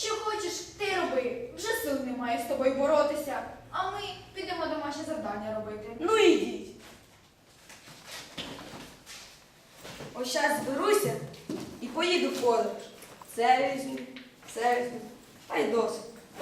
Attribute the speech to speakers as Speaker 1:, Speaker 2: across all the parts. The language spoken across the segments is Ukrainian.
Speaker 1: Що хочеш, ти роби. Вже сил немає з тобою боротися. А ми підемо домашнє завдання робити.
Speaker 2: Ну ідіть. Ось зараз зберуся і поїду в подорож. Це візьму, та й досить.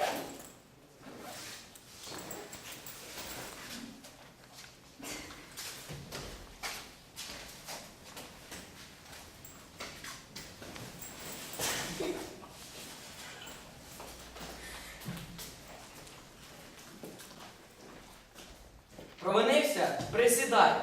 Speaker 3: Провинився? Присідай.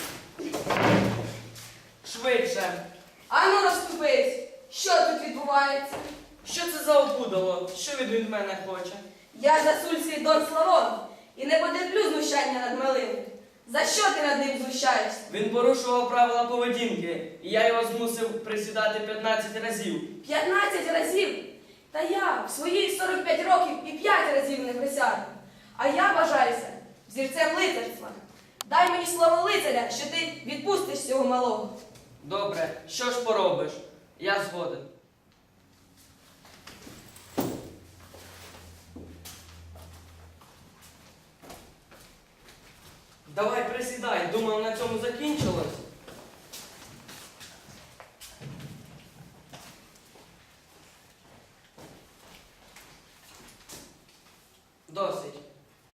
Speaker 3: Швидше.
Speaker 2: Ану розступись! Що тут відбувається?
Speaker 3: Що це за опудало? Що він від мене хоче?
Speaker 2: Я засульський Дон Славон і не потерплю знущання над малим. За що ти над ним знущаєшся?
Speaker 3: Він порушував правила поведінки, і я його змусив присідати 15 разів.
Speaker 2: 15 разів? Та я в свої 45 років і 5 разів не присяду. А я вважаюся взірцем лицарства. Дай мені слово лицаря, що ти відпустиш цього малого.
Speaker 3: Добре, що ж поробиш? Я згоден. Давай присідай, думав, на цьому закінчилось. Досить.